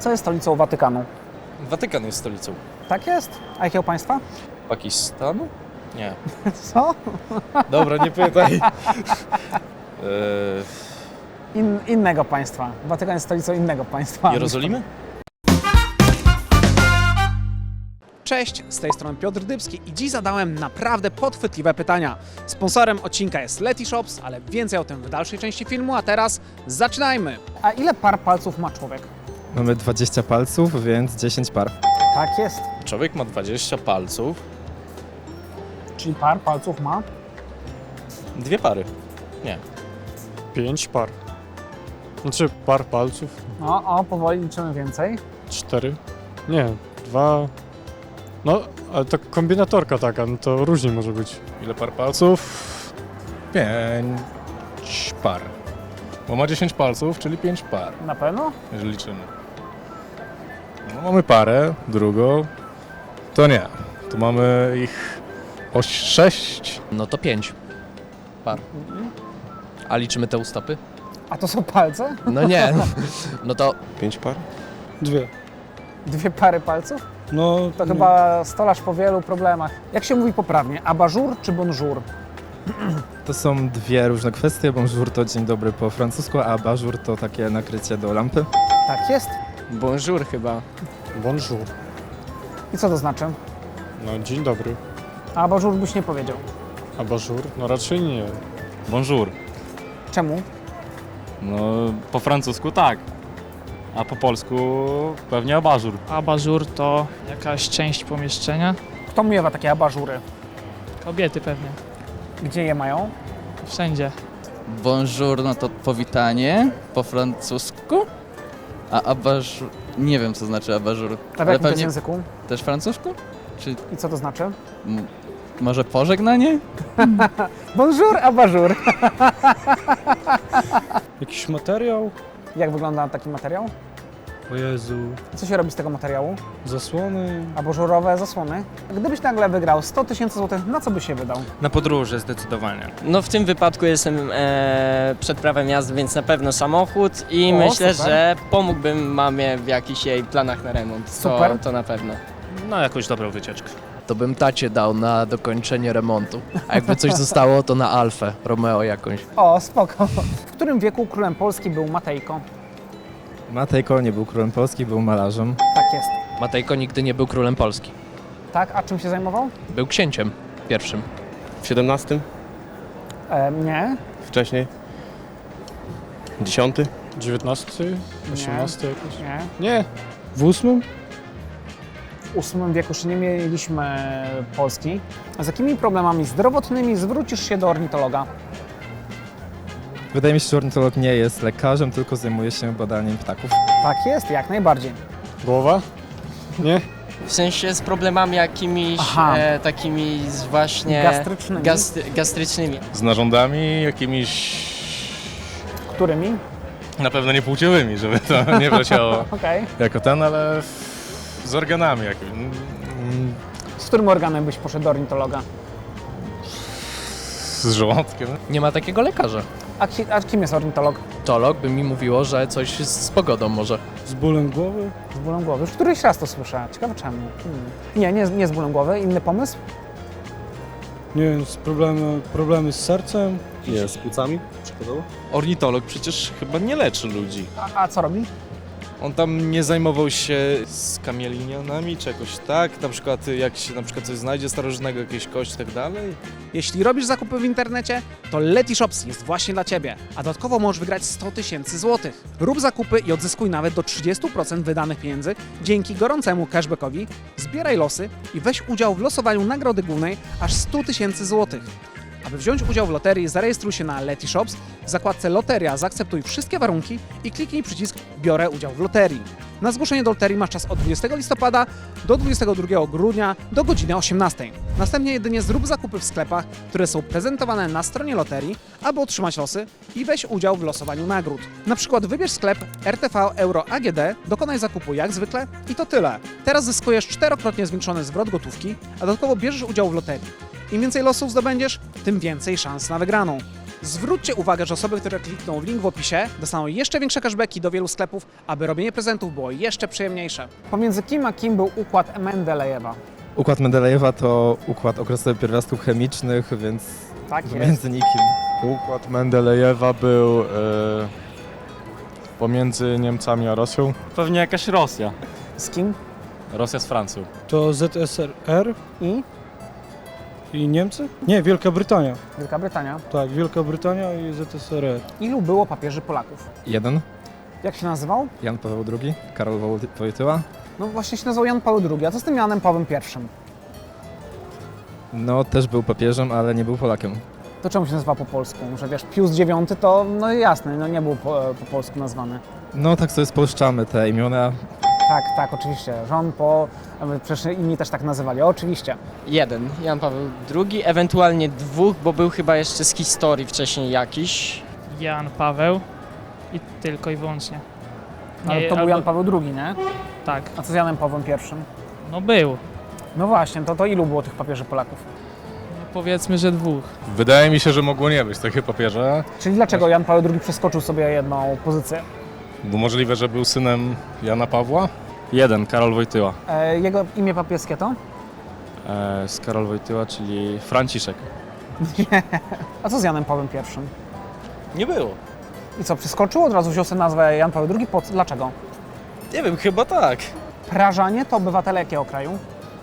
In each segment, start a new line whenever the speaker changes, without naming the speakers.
Co jest stolicą Watykanu?
Watykan jest stolicą.
Tak jest? A jakiego państwa?
Pakistanu? Nie.
Co?
Dobra, nie pytaj.
Innego państwa. Watykan jest stolicą innego państwa.
Jerozolimy?
Cześć, z tej strony Piotr Dybski i dziś zadałem naprawdę podchwytliwe pytania. Sponsorem odcinka jest Letyshops, ale więcej o tym w dalszej części filmu, a teraz zaczynajmy! A ile par palców ma człowiek?
Mamy 20 palców, więc 10 par.
Tak jest.
Człowiek ma 20 palców.
Czyli par palców ma?
2 pary. Nie.
5 par. Znaczy par palców.
No, powoli liczymy więcej.
4. Nie, 2. No, ale to kombinatorka taka, no to różnie może być.
Ile par palców? 5 par. Bo ma 10 palców, czyli 5 par,
Na pewno?
jeżeli liczymy. No, mamy parę, drugą. To nie. Tu mamy ich 6.
No to 5 par. A liczymy te ustopy?
A to są palce?
No nie. No to
5 par?
2.
2 pary palców?
No,
To chyba stolarz po wielu problemach. Jak się mówi poprawnie? Abajour czy bonjour?
To są dwie różne kwestie. Bonjour to dzień dobry po francusku, a abajour to takie nakrycie do lampy.
Tak jest.
bonjour chyba.
bonjour.
I co to znaczy?
No, dzień dobry.
A abajour byś nie powiedział.
A bonjour? No raczej nie.
Bonjour.
Czemu?
No, po francusku tak, a po polsku pewnie abażur.
Abażur to jakaś część pomieszczenia.
Kto miewa takie abażury?
Kobiety pewnie.
Gdzie je mają?
Wszędzie.
Bonjour no to powitanie po francusku. A abajour... Nie wiem co znaczy abajour.
A w jakim to jest języku?
też francusku? Czy
I co to znaczy?
może pożegnanie?
Bonjour, abajour.
Jakiś materiał?
Jak wygląda taki materiał?
O Jezu.
Co się robi z tego materiału?
Zasłony.
Abażurowe zasłony. Gdybyś nagle wygrał 100 000 złotych, na co byś się wydał?
Na podróże zdecydowanie.
No w tym wypadku jestem przed prawem jazdy, więc na pewno samochód i
O,
myślę,
super.
że pomógłbym mamie w jakichś jej planach na remont.
Super.
To na pewno.
Na jakąś dobrą wycieczkę.
To bym tacie dał na dokończenie remontu. A jakby coś zostało to na Alfę, Romeo jakąś.
O, spoko. W którym wieku królem Polski był Matejko?
Matejko nie był królem Polski, był malarzem.
Tak jest.
Matejko nigdy nie był królem Polski.
Tak, a czym się zajmował?
Był księciem pierwszym.
W 17?
Nie.
Wcześniej? 10?
19? 18 jakoś?
Nie.
Nie. W 8?
W VIII wieku jeszcze nie mieliśmy Polski. A z jakimi problemami zdrowotnymi zwrócisz się do ornitologa?
Wydaje mi się, że ornitolog nie jest lekarzem, tylko zajmuje się badaniem ptaków.
Tak jest, jak najbardziej.
Głowa? Nie.
W sensie z problemami jakimiś
Aha.
takimi właśnie
Gastrycznymi.
gastrycznymi.
Z narządami jakimiś
Którymi?
na pewno nie płciowymi, żeby to nie wleciało
Okej.
jako ten, ale z organami jakimiś.
Z którym organem byś poszedł do ornitologa?
Z żołądkiem.
Nie ma takiego lekarza.
A kim jest ornitolog?
Tolog by mi mówiło, że coś z pogodą może.
Z bólem głowy?
Z bólem głowy. Już któryś raz to słyszę. Ciekawe czemu. Nie z bólem głowy. Inny pomysł?
Nie wiem, problemy z sercem?
Nie, z płucami przykładowo?
Ornitolog przecież chyba nie leczy ludzi.
A co robi?
On tam nie zajmował się skamielinionami czy jakoś tak? Na przykład jak się na przykład coś znajdzie starożytnego, jakieś kość i tak dalej?
Jeśli robisz zakupy w internecie, to Letyshops jest właśnie dla Ciebie. A dodatkowo możesz wygrać 100 000 złotych. Rób zakupy i odzyskuj nawet do 30% wydanych pieniędzy dzięki gorącemu cashbackowi, zbieraj losy i weź udział w losowaniu nagrody głównej aż 100 000 złotych. Aby wziąć udział w loterii, zarejestruj się na Letyshops, w zakładce Loteria zaakceptuj wszystkie warunki i kliknij przycisk Biorę udział w loterii. Na zgłoszenie do loterii masz czas od 20 listopada do 22 grudnia do godziny 18. Następnie jedynie zrób zakupy w sklepach, które są prezentowane na stronie loterii, aby otrzymać losy i weź udział w losowaniu nagród. Na przykład wybierz sklep RTV Euro AGD, dokonaj zakupu jak zwykle i to tyle. Teraz zyskujesz 4-krotnie zwiększony zwrot gotówki, a dodatkowo bierzesz udział w loterii. Im więcej losów zdobędziesz, tym więcej szans na wygraną. Zwróćcie uwagę, że osoby, które klikną w link w opisie, dostaną jeszcze większe cashbacki do wielu sklepów, aby robienie prezentów było jeszcze przyjemniejsze. Pomiędzy kim a kim był układ Mendelejewa?
Układ Mendelejewa to układ okresowy pierwiastków chemicznych, więc
Tak jest.
między nikim.
Układ Mendelejewa był pomiędzy Niemcami a Rosją.
Pewnie jakaś Rosja.
Z kim?
Rosja z Francją.
To ZSRR
I?
i Niemcy? Nie, Wielka Brytania.
Wielka Brytania.
Tak, Wielka Brytania i ZSRR.
Ilu było papieży Polaków?
1.
Jak się nazywał?
Jan Paweł II, Karol Wojtyła.
No właśnie się nazywał Jan Paweł II, a co z tym Janem Pawłem I?
No też był papieżem, ale nie był Polakiem.
To czemu się nazywa po polsku? Że wiesz, Pius IX to, no jasne, no nie był po polsku nazwany.
No tak sobie spolszczamy te imiona.
Tak, oczywiście. Jean Paul, przecież inni też tak nazywali, oczywiście.
1, Jan Paweł II, ewentualnie 2, bo był chyba jeszcze z historii wcześniej jakiś.
Jan Paweł i tylko i wyłącznie.
Ale to był
albo-
Jan Paweł II, nie?
Tak,
A co z Janem Pawłem I?
no był.
No właśnie, to ilu było tych papieży Polaków?
No powiedzmy, że 2.
Wydaje mi się, że mogło nie być takie papieże,
Czyli dlaczego Jan Paweł II przeskoczył sobie jedną pozycję?
bo możliwe, że był synem Jana Pawła.
1, Karol Wojtyła.
Jego imię papieskie to?
Z Karol Wojtyła, czyli Franciszek.
A co z Janem Pawłem I?
Nie było.
I co, przeskoczył? Od razu wziął sobie nazwę Jan Paweł II? Dlaczego?
Nie wiem, chyba tak.
Prażanie to obywatele jakiego kraju?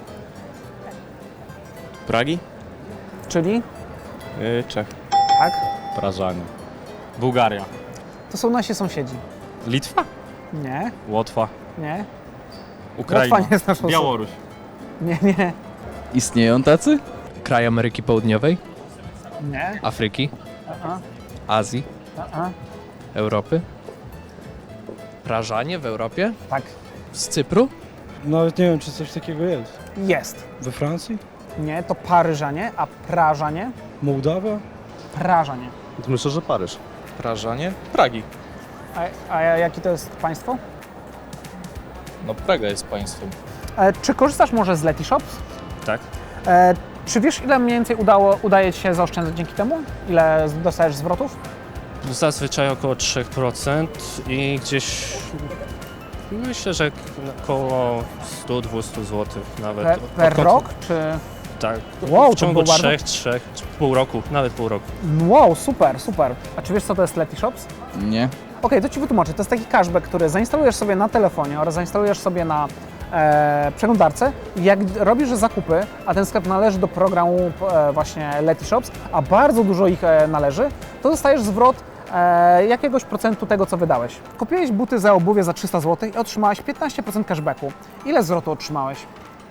Pragi?
Czyli?
Czech.
Tak.
Prażanie. Bułgaria.
To są nasi sąsiedzi.
Litwa?
Nie,
Łotwa.
nie.
Ukraina.
Łotwa nie jest naszą
Białoruś.
Nie.
Istnieją tacy?
Kraj Ameryki Południowej,
Nie.
Afryki,
A-a,
Azji,
a-a.
Europy. Prażanie w Europie?
Tak.
Z Cypru?
Nawet nie wiem, czy coś takiego jest.
Jest.
We Francji?
Nie, to Paryżanie, a Prażanie?
Mołdawia?
Prażanie.
Myślę, że Paryż.
Prażanie? Pragi.
A jakie to jest państwo?
No Praga jest państwem.
Czy korzystasz może z Letyshops?
Tak.
Czy wiesz, ile mniej więcej udaje Ci się zaoszczędzać dzięki temu? Ile dostajesz zwrotów?
Zazwyczaj około 3% i gdzieś myślę, że około 100-200 zł nawet.
Per
Odkąd-
rok? Czy...
Tak.
Wow,
w
to
ciągu
było bardzo...
3, pół roku, nawet pół roku.
Wow, super. A czy wiesz, co to jest Letyshops?
Nie.
Okej, to Ci wytłumaczę. To jest taki cashback, który zainstalujesz sobie na telefonie oraz zainstalujesz sobie na przeglądarce. Jak robisz zakupy, a ten sklep należy do programu właśnie Letyshops, a bardzo dużo ich należy, to dostajesz zwrot jakiegoś procentu tego, co wydałeś. Kupiłeś buty za obuwie za 300 zł i otrzymałeś 15% cashbacku. Ile zwrotu otrzymałeś?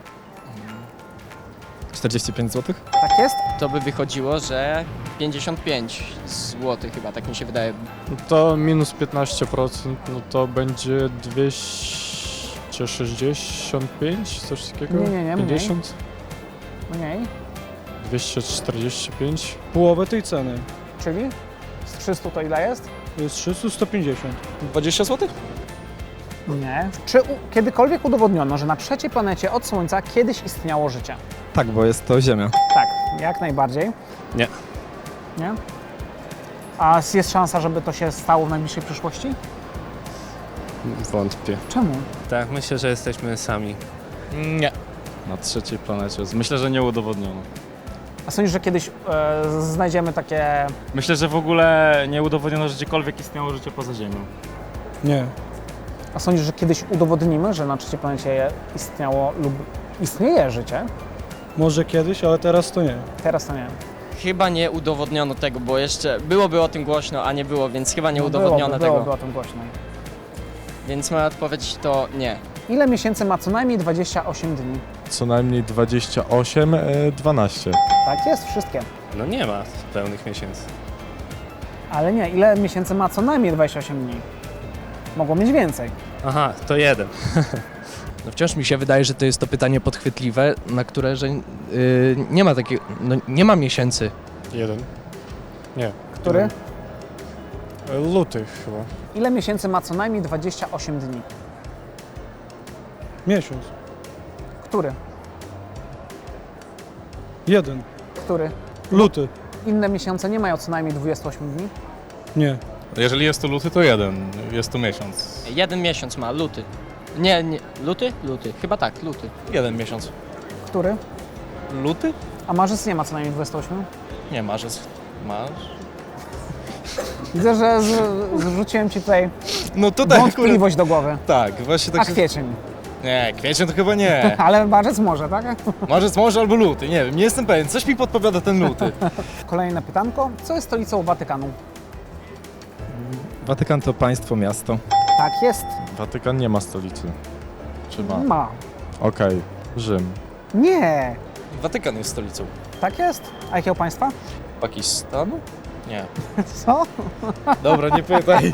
45 zł?
Tak jest?
To by wychodziło, że 55 zł chyba, tak mi się wydaje.
To minus 15%, no to będzie 265, coś takiego?
Nie, mniej.
50?
Mniej.
245?
Połowę tej ceny.
Czyli z 300 to ile jest?
To jest 300, 150.
20 zł?
Nie. Czy kiedykolwiek udowodniono, że na trzeciej planecie od Słońca kiedyś istniało życie?
Tak, bo jest to Ziemia.
Tak, jak najbardziej.
Nie.
Nie? A jest szansa, żeby to się stało w najbliższej przyszłości?
Wątpię.
Czemu?
Tak, myślę, że jesteśmy sami.
Nie.
Na trzeciej planecie. Myślę, że nie udowodniono.
A sądzisz, że kiedyś znajdziemy takie...
Myślę, że w ogóle nie udowodniono, że gdziekolwiek istniało życie poza Ziemią.
Nie.
A sądzisz, że kiedyś udowodnimy, że na trzeciej planecie istniało lub istnieje życie?
Może kiedyś, ale teraz to nie.
Teraz to nie.
Chyba nie udowodniono tego, bo jeszcze byłoby o tym głośno, a nie było, więc chyba nie udowodniono tego.
Byłoby o tym głośno.
Więc moja odpowiedź to nie.
Ile miesięcy ma co najmniej 28 dni?
Co najmniej 28, 12.
Tak jest, wszystkie.
No nie ma pełnych miesięcy.
Ale nie, ile miesięcy ma co najmniej 28 dni? Mogło mieć więcej.
Aha, to 1.
No wciąż mi się wydaje, że to jest to pytanie podchwytliwe, na które, że nie ma takiego, no nie ma miesięcy.
1. Nie.
Który?
Luty chyba.
Ile miesięcy ma co najmniej 28 dni?
Miesiąc.
Który?
1.
Który?
Luty.
inne miesiące nie mają co najmniej 28 dni?
Nie.
Jeżeli jest to luty, to jeden. Jest to miesiąc.
Jeden miesiąc ma, luty. Nie, luty? Luty. Chyba tak, luty.
Jeden miesiąc.
Który?
Luty?
A marzec nie ma co najmniej 28?
Nie, marzec.
Widzę, że zrzuciłem ci tutaj
No tutaj
wątpliwość do głowy.
Tak, właśnie
A
tak się...
kwiecień?
Nie, kwiecień to chyba nie.
Ale marzec może, tak?
Marzec może albo luty, nie wiem, nie jestem pewien. Coś mi podpowiada ten luty.
Kolejne pytanko. Co jest stolicą Watykanu?
Watykan to państwo, miasto.
Tak jest.
Watykan nie ma stolicy. Czy ma?
Ma.
Okej. Rzym.
Nie.
Watykan jest stolicą.
Tak jest. A jakiego państwa?
Pakistanu? Nie.
Co?
Dobra, nie pytaj.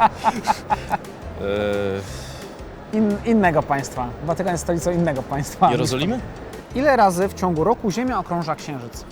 Innego państwa. Watykan jest stolicą innego państwa.
Jerozolimy?
Ile razy w ciągu roku Ziemia okrąża Księżyc?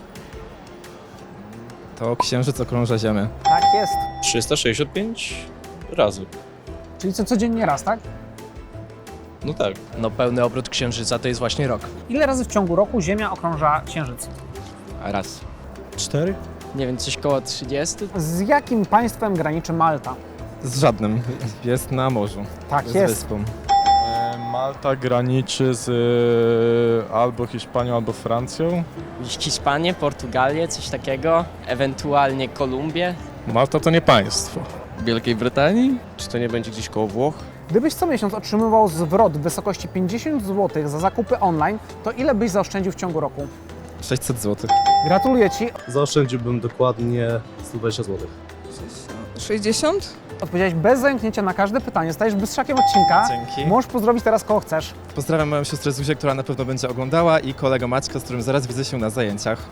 To księżyc okrąża Ziemię.
Tak jest.
365 razy.
Czyli codziennie raz, tak?
No tak.
No pełny obrót księżyca to jest właśnie rok.
Ile razy w ciągu roku Ziemia okrąża Księżyc?
Raz.
4?
Nie wiem, coś koło 30?
Z jakim państwem graniczy Malta?
Z żadnym. Jest na morzu.
Tak
Z
jest.
wyspą.
Malta graniczy z albo Hiszpanią, albo Francją.
Hiszpanię, Portugalię, coś takiego. Ewentualnie Kolumbię.
Malta to nie państwo.
Wielkiej Brytanii?
Czy to nie będzie gdzieś koło Włoch?
Gdybyś co miesiąc otrzymywał zwrot w wysokości 50 zł za zakupy online, to ile byś zaoszczędził w ciągu roku?
600 zł.
Gratuluję Ci.
Zaoszczędziłbym dokładnie 120 zł.
60?
Odpowiedziałeś bez zająknięcia na każde pytanie. Stajesz bystrzakiem odcinka.
Dzięki.
Możesz pozdrowić teraz kogo chcesz.
Pozdrawiam moją siostrę Zuzię, która na pewno będzie oglądała i kolegę Maćka, z którym zaraz widzę się na zajęciach.